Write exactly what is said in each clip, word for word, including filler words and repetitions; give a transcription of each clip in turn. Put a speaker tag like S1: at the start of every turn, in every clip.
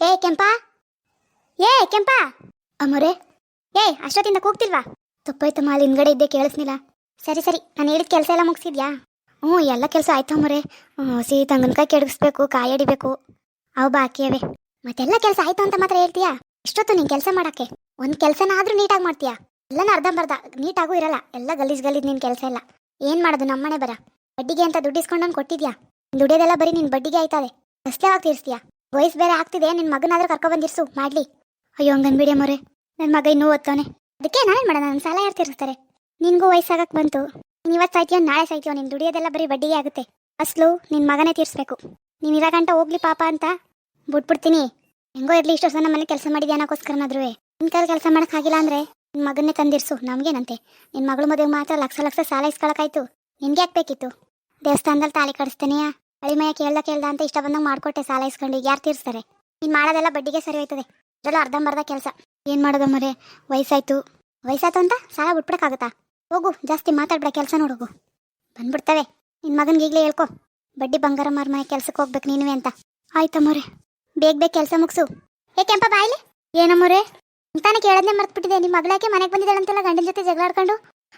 S1: ಏ ಕೆಂಪಾ, ಏ ಕೆಂಪಾ. ಅಮ್ಮೋರೆ, ಏ ಅಷ್ಟೊತ್ತಿಂದ ಕೂಗ್ತಿಲ್ವಾ? ತಪ್ಪಾಯ್ತಮ್ಮ, ಅಲ್ಲಿ ಹಿಂದ್ಗಡೆ ಇದ್ದೆ, ಕೇಳಿಸ್ನಿಲ್ಲ. ಸರಿ ಸರಿ, ನಾನು ಹೇಳಿದ ಕೆಲಸ ಎಲ್ಲ ಮುಗಿಸಿದ್ಯಾ? ಹ್ಞೂ, ಎಲ್ಲ ಕೆಲಸ ಆಯ್ತು ಅಮ್ಮೋರೆ. ಹಸಿ ತಂಗನಕಾಯಿ ಕೆಡಗಿಸ್ಬೇಕು, ಕಾಯಿ ಅಡಿಬೇಕು, ಅವು ಬಾಕಿ ಅವೆ. ಮತ್ತೆಲ್ಲ ಕೆಲಸ ಆಯ್ತು ಅಂತ ಮಾತ್ರ ಹೇಳ್ತೀಯಾ? ಎಷ್ಟೊತ್ತು ನೀನು ಕೆಲಸ ಮಾಡಕ್ಕೆ? ಒಂದು ಕೆಲಸನಾದ್ರೂ ನೀಟಾಗಿ ಮಾಡ್ತೀಯಾ? ಎಲ್ಲನ ಅರ್ಧಂಬರ್ಧ ನೀಟಾಗೂ ಇರಲ್ಲ, ಎಲ್ಲ ಗಲೀಜ್ ಗಲೀಜ್ ನಿನ್ನ ಕೆಲಸ ಎಲ್ಲ. ಏನು ಮಾಡೋದು, ನಮ್ಮನೆ ಬರ ಬಡ್ಡಿಗೆ ಅಂತ ದುಡ್ಡು ಇಸ್ಕೊಂಡು ಕೊಟ್ಟಿದ್ಯಾ? ದುಡಿಯೋದೆಲ್ಲ ಬರೀ ನಿನ್ನ ಬಡ್ಡಿಗೆ ಆಯ್ತದೆ. ಅಷ್ಟೇವಾಗಿ ತೀರಿಸ್ತೀಯಾ? ವಯಸ್ಸು ಬೇರೆ ಆಗ್ತಿದೆ, ನಿನ್ನ ಮಗನಾದ್ರೂ ಕರ್ಕೊಬಂದಿರ್ಸು ಮಾಡ್ಲಿ. ಅಯ್ಯೋ ಹಂಗನ್ಬಿಡಿ ಅಮ್ಮೋರೆ, ನನ್ನ ಮಗ ಇನ್ನೂ ಓದ್ತಾನೆ. ಅದಕ್ಕೆ ನಾನೇನು ಮಾಡೋಣ, ನನ್ನ ಸಾಲ ಯಾರು ತೀರಿಸ್ತಾರೆ? ನಿನಗೂ ವಯಸ್ಸಾಗಕ್ಕೆ ಬಂತು, ನೀನು ಇವತ್ತು ಸಾಯ್ತೀಯೋ ನಾಳೆ ಸಾಯ್ತೀಯೋ, ನಿನ್ನ ದುಡಿಯೋದೆಲ್ಲ ಬರೀ ಬಡ್ಡಿಗೆ ಆಗುತ್ತೆ. ಅಸಲು ನಿನ್ನ ಮಗನೇ ತೀರಿಸ್ಬೇಕು. ನೀನು ಇರೋ ಗಂಟ ಹೋಗ್ಲಿ ಪಾಪ ಅಂತ ಬಿಟ್ಬಿಡ್ತೀನಿ. ಹೆಂಗೋ ಇರಲಿ, ಇಷ್ಟು ವರ್ಷ ನಮ್ಮ ಮನೆ ಕೆಲಸ ಮಾಡಿದ್ಯಾ ಅನ್ನೋಕ್ಕೋಸ್ಕರನಾದ್ರೂ ನಿನ್ನ ಕೈಲಿ ಕೆಲಸ ಮಾಡೋಕ್ಕಾಗಿಲ್ಲ ಅಂದರೆ ನಿನ್ನ ಮಗನ್ನೇ ತಂದಿರಿಸು, ನಮಗೇನಂತೆ. ನಿನ್ನ ಮಗಳು ಮದುವೆಗೆ ಮಾತ್ರ ಲಕ್ಷ ಲಕ್ಷ ಸಾಲ ಇಸ್ಕೊಳಕ್ಕಾಯ್ತು, ನಿನ್ಗೆ ಯಾಕೆ ಬೇಕಿತ್ತು? ದೇವಸ್ಥಾನದಲ್ಲಿ ತಾಳಿ ಕಡಿಸ್ತಾನೆಯಾ, ಅಳಿಮಯ ಕೇಳ್ದ ಕೇಳ್ದ ಅಂತ ಇಷ್ಟ ಬಂದಂಗೆ ಮಾಡ್ಕೊಟ್ಟೆ, ಸಾಲ ಇಸ್ಕೊಂಡು ಈಗ ಯಾರು ತೀರಿಸ್ತಾರೆ? ನೀನು ಮಾಡೋದೆಲ್ಲ ಬಡ್ಡಿಗೆ ಸರಿ ಹೋಯ್ತದೆ, ಅದೆಲ್ಲ ಅರ್ಧಂಬರ್ಧ ಕೆಲಸ. ಏನು ಮಾಡೋದು ಮರೆ, ವಯಸ್ಸಾಯ್ತು. ವಯಸ್ಸಾಯ್ತು ಅಂತ ಸಾಲ ಬಿಟ್ಬಿಡಕ್ಕಾಗುತ್ತಾ? ಹೋಗು, ಜಾಸ್ತಿ ಮಾತಾಡ್ಬೇಡ, ಕೆಲಸ ನೋಡೋಗು, ಬಂದ್ಬಿಡ್ತವೆ. ನಿನ್ನ ಮಗನಿಗೆ ಈಗಲೇ ಹೇಳ್ಕೊ, ಬಡ್ಡಿ ಬಂಗಾರ ಮಾರ್ಮಯ ಕೆಲ್ಸಕ್ಕೆ ಹೋಗ್ಬೇಕು ನೀನುವೆ ಅಂತ. ಆಯ್ತಮ್ಮೋರೆ, ಬೇಗ ಬೇಗ ಕೆಲಸ ಮುಗಿಸು. ಏ ಕೆಂಪ ಬಾಯ್ಲಿ. ಏನಮ್ಮೋರೆ? ಅಂತಾನೆ ಕೇಳೋದನ್ನೇ ಮರ್ತ್ಬಿಟ್ಟಿದೆ. ನಿಮ್ಮ ಮಗಳಾಕೆ ಮನೆಗೆ ಬಂದಿದ್ದಾಳಂತೆಲ್ಲ, ಗಂಡನ ಜೊತೆ ಜಗಳ ಆಡ್ಕೊಂಡು.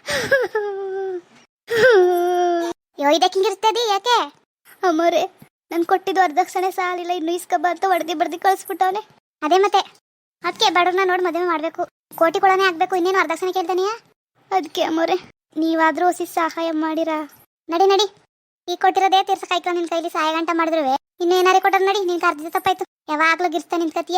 S1: ಯೋ, ಇದಕ್ಕೆ ಹಿಂಗಿರ್ತದೆ ಯಾಕೆ? ಅಮ್ಮೋರೆ, ನಾನು ಕೊಟ್ಟಿದ್ದು ವರದಕ್ಷಿಣೆ ಸಾಲಿಲ್ಲ, ಇನ್ನು ಇಸ್ಕಬ್ಬ ಅಂತ ಹೊಡೆದಿ ಬಡ್ದಿ ಕಳಿಸ್ಬಿಟ್ಟವನೆ. ಅದೇ ಮತ್ತೆ, ಅದಕ್ಕೆ ಬಡವ್ರನ್ನ ನೋಡಿ ಮದುವೆ ಮಾಡಬೇಕು, ಕೋಟಿ ಕೊಳನೇ ಆಗಬೇಕು, ಇನ್ನೇನು ವರದಕ್ಷಿಣೆ ಕೇಳ್ತಾನೆಯಾ? ಅದಕ್ಕೆ ಅಮ್ಮೋರೆ, ನೀವಾದರೂ ಹೊಸಿ ಸಹಾಯ ಮಾಡಿರಾ? ನಡಿ ನಡಿ, ಈಗ ಕೊಟ್ಟಿರೋದೇ ತೀರ್ಸಕ್ಕಾಯ್ತು. ನಿನ್ನ ಕೈಲಿ ಸಹಾಯ ಗಂಟ ಮಾಡಿದ್ರು ಇನ್ನು ಏನಾರೇ ಕೊಟ್ಟರು ನಡಿ, ನಿನ್ಗೆ ಅರ್ಧ ತಪ್ಪಾಯ್ತು. ಯಾವಾಗಲೂ ಗಿರ್ಸ್ತಾ ನಿಂತ್ಕತಿಯೇ.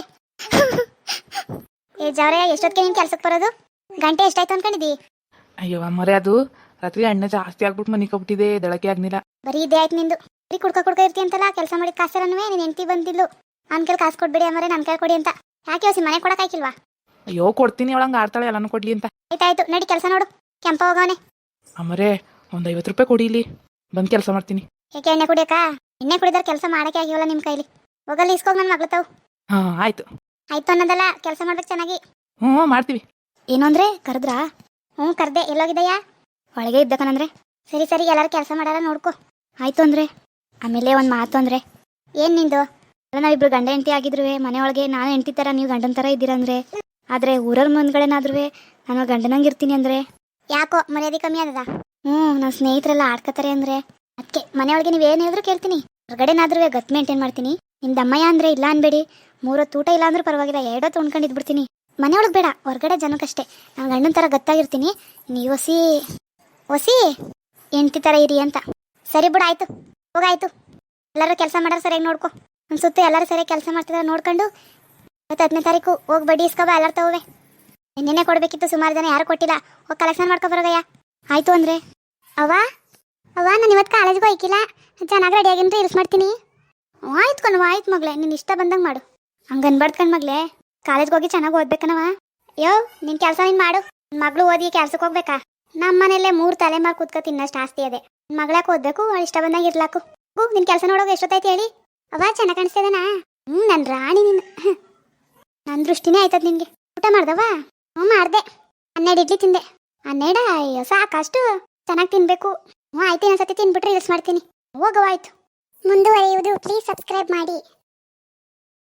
S1: ಏ ಜವರೇ, ಎಷ್ಟೊತ್ತಿಗೆ ನೀನು ಕೆಲ್ಸಕ್ಕೆ ಬರೋದು? ಗಂಟೆ ಎಷ್ಟಾಯ್ತು ಅನ್ಕೊಂಡಿದ್ದಿ?
S2: ಅಯ್ಯೋ ಅಮ್ಮರೇ, ಅದು ರಾತ್ರಿ ಅಣ್ಣ ಜಾಸ್ತಿ ಆಗ್ಬಿಟ್ಟು ಮನೆ ಕಬಿಟ್ಟಿದೆ, ದಳಕೆ ಆಗ್ನಿಲ್ಲ.
S1: ಬರೀ ಇದೇ ಆಯ್ತು ನಿಂದು. ಬರೀ ಕುಡ್ಕ ಕುಡ್ಕ ಇರ್ತಿ ಅಂತಲ್ಲ, ಕೆಲಸ ಮಾಡಿದ ಕಾಸರನ್ನುವೆ ನೀನು ಹೆಂಡತಿ ಬಂದಿದ್ದು ನನ್ನ ಕೈಲಿ ಕಾಸು ಕೊಡ್ಬೇಡಿ ಅಮ್ಮರೇ, ನನ್ನ ಕೈ ಕೊಡಿ ಅಂತ. ಯಾಕೆ ಹೊಸಿ ಮನೆ ಕೊಡಕ್ಕಾಯ್ಕಿಲ್ವಾ?
S2: ಅಯ್ಯೋ ಕೊಡ್ತೀನಿ, ಅವಳಂಗೆ ಆಡ್ತಾಳೆ, ಎಲ್ಲಾನು ಕೊಡ್ಲಿ ಅಂತ.
S1: ಆಯ್ತಾಯ್ತು, ನಡಿ ಕೆಲಸ ನೋಡು. ಕೆಂಪ ಹೋಗವನೆ.
S2: ಅಮ್ಮರೇ, ಒಂದು ಐವತ್ತು ರೂಪಾಯಿ ಕೊಡಿ, ಇಲ್ಲಿ ಬಂದು ಕೆಲಸ ಮಾಡ್ತೀನಿ.
S1: ಏಕೆ ಎಣ್ಣೆ ಕುಡಿಯಕ್ಕ? ಎಣ್ಣೆ ಕುಡಿದ್ರೆ ಕೆಲಸ ಮಾಡಕ್ಕೆ ಆಗಿವಲ್ಲ ನಿಮ್ಮ ಕೈಲಿ. ಹೋಗಲ್ಲಿ ಇಸ್ಕೋಗಿ ನನ್ನ ಮಗಳು ತಾವು.
S2: ಹಾಂ ಆಯ್ತು.
S1: ಆಯ್ತು ಅನ್ನೋದಲ್ಲ, ಕೆಲಸ ಮಾಡ್ಬೇಕು ಚೆನ್ನಾಗಿ.
S2: ಹ್ಞೂ ಮಾಡ್ತೀವಿ.
S1: ಏನು ಅಂದ್ರೆ ಕರೆದ್ರಾ? ಹ್ಞೂ ಕರ್ದೆ. ಎಲ್ಲೋಗಿದ್ದಯ್ಯ? ಒಳಗೆ ಇದ್ದಕನಂದ್ರೆ. ಸರಿ ಸರಿ, ಎಲ್ಲರೂ ಕೆಲಸ ಮಾಡಾರ ನೋಡ್ಕೊ. ಆಯ್ತು ಅಂದ್ರೆ ಆಮೇಲೆ ಒಂದು ಮಾತು ಅಂದ್ರೆ. ಏನು ನಿಂದು? ಅಲ್ಲ, ನಾವಿಬ್ರು ಗಂಡ ಹೆಂಡತಿ ಆಗಿದ್ರು ಮನೆಯೊಳಗೆ, ನಾನು ಹೆಂಡತಿ ಥರ ನೀವು ಗಂಡನ ಥರ ಇದ್ದೀರಂದ್ರೆ. ಆದರೆ ಊರವ್ರ ಮುಂದ್ಗಡೆನಾದ್ರೂ ನಾನು ಗಂಡನಂಗೆ ಇರ್ತೀನಿ ಅಂದರೆ ಯಾಕೋ ಮರ್ಯಾದೆ ಕಮ್ಮಿ ಆದದ? ಹ್ಞೂ, ನನ್ನ ಸ್ನೇಹಿತರೆಲ್ಲ ಆಡ್ಕೋತಾರೆ ಅಂದರೆ ಅದಕ್ಕೆ ಮನೆಯೊಳಗೆ ನೀವು ಏನು ಹೇಳಿದ್ರು ಕೇಳ್ತೀನಿ. ಹೊರಗಡೆನಾದ್ರೂ ಗತ್ ಮೇಂಟೈನ್ ಮಾಡ್ತೀನಿ. ನಿಮ್ಮ ದಮ್ಮಯ್ಯ ಅಂದರೆ ಇಲ್ಲ ಅನ್ಬೇಡಿ, ಮೂರೊತ್ತು ಊಟ ಇಲ್ಲ ಅಂದ್ರೂ ಪರವಾಗಿಲ್ಲ, ಎರಡೊತ್ತು ಉಣ್ಕೊಂಡಿದ್ಬಿಡ್ತೀನಿ. ಮನೆಯೊಳಗೆ ಬೇಡ, ಹೊರಗಡೆ ಜನಕ್ಕಷ್ಟೇ ನಾನು ಗಂಡನ ಥರ ಗತ್ತಾಗಿರ್ತೀನಿ. ನೀವು ಹೊಸಿ ಹೊಸಿ ಹೆಂಡತಿ ಥರ ಇರಿ ಅಂತ. ಸರಿ ಬಿಡು, ಆಯಿತು ಹೋಗಾಯ್ತು. ಎಲ್ಲರೂ ಕೆಲಸ ಮಾಡೋರು ಸರಿಯಾಗಿ ನೋಡ್ಕೊ. ಒಂದು ಸುತ್ತ ಎಲ್ಲರೂ ಸರಿಯಾಗಿ ಕೆಲಸ ಮಾಡ್ತಿದ್ದಾರೆ ನೋಡ್ಕೊಂಡು ಇವತ್ತು ಹತ್ತನೇ ತಾರೀಕು ಹೋಗಿ ಬಡ್ಡಿ ಇಸ್ಕೊಬ, ಎಲ್ಲರೂ ತಗೋವೆ. ನಿನ್ನೆ ಕೊಡಬೇಕಿತ್ತು, ಸುಮಾರು ಜನ ಯಾರು ಕೊಟ್ಟಿಲ್ಲ, ಹೋಗಿ ಕಲೆಕ್ಷನ್ ಮಾಡ್ಕೊ ಬರೋಗಯ್ಯ. ಆಯಿತು ಅಂದರೆ ಅವ್ವ ಅವ್ವ ನಾನು ಇವತ್ತು ಕಾಲೇಜ್ಗೆ ಹೋಯ್ಕಿಲ್ಲ, ಚೆನ್ನಾಗಿ ರೆಡಿಯಾಗಿಂತ ಇಲ್ಸ್ ಮಾಡ್ತೀನಿ. ಆಯ್ತು ಕಣವ, ಆಯ್ತು ಮಗಳೇ, ನೀನು ಇಷ್ಟ ಬಂದಂಗೆ ಮಾಡು. ಹಂಗೆ ಅನ್ಬಾರ್ದು ಕಣ್ ಮಗಳೇ, ಕಾಲೇಜ್ಗೆ ಹೋಗಿ ಚೆನ್ನಾಗಿ ಓದ್ಬೇಕನವ. ಯೋ, ನಿನ್ನ ಕೆಲಸ ನೀನು ಮಾಡು. ನನ್ನ ಮಗಳು ಓದಿ ಕೆಲ್ಸಕ್ಕೆ ಹೋಗ್ಬೇಕಾ? ನಮ್ಮ ಮನೆಯಲ್ಲೇ ಮೂರು ತಲೆಮಾರು ಕೂತ್ಕೊ ತಿನ್ನಷ್ಟು ಆಸ್ತಿ ಅದೇ. ನನ್ನ ಮಗಳಾಕೆ ಓದಬೇಕು, ಅವಳು ಇಷ್ಟ ಬಂದಂಗೆ ಇರ್ಲಾಕು. ಹೂ, ನಿನ್ನ ಕೆಲಸ ನೋಡೋಕೆ ಎಷ್ಟೊತ್ತಾಯ್ತು ಹೇಳಿ? ಅವ್ವ ಚೆನ್ನಾಗಿ ಕಾಣಿಸ್ತಿದೇನಾ? ಹ್ಞೂ, ನನ್ನ ರಾಣಿ ನಿನ್ನ. ನನ್ನ ದೃಷ್ಟಿನೇ ಆಯ್ತದ ನಿನಗೆ. ಊಟ ಮಾಡ್ದವ? ಹ್ಞೂ ಮಾಡಿದೆ, ಹನ್ನೆರಡು ಇಡ್ಲಿ ತಿಂದೆ. ಹನ್ನೆರಡ? ಅಯ್ಯೋ ಸಾಕಷ್ಟು, ಚೆನ್ನಾಗಿ ತಿನ್ನಬೇಕು. ಹ್ಞೂ ಆಯ್ತು, ಇನ್ನೊಂದ್ಸತಿ ತಿನ್ಬಿಟ್ರೆ ಇಲ್ಸ್ ಮಾಡ್ತೀನಿ. ಹೋಗವ, ಆಯ್ತು. ಮುಂದುವರಿಯುವುದು ಪ್ಲೀಸ್ ಸಬ್ಸ್ಕ್ರೈಬ್ ಮಾಡಿ.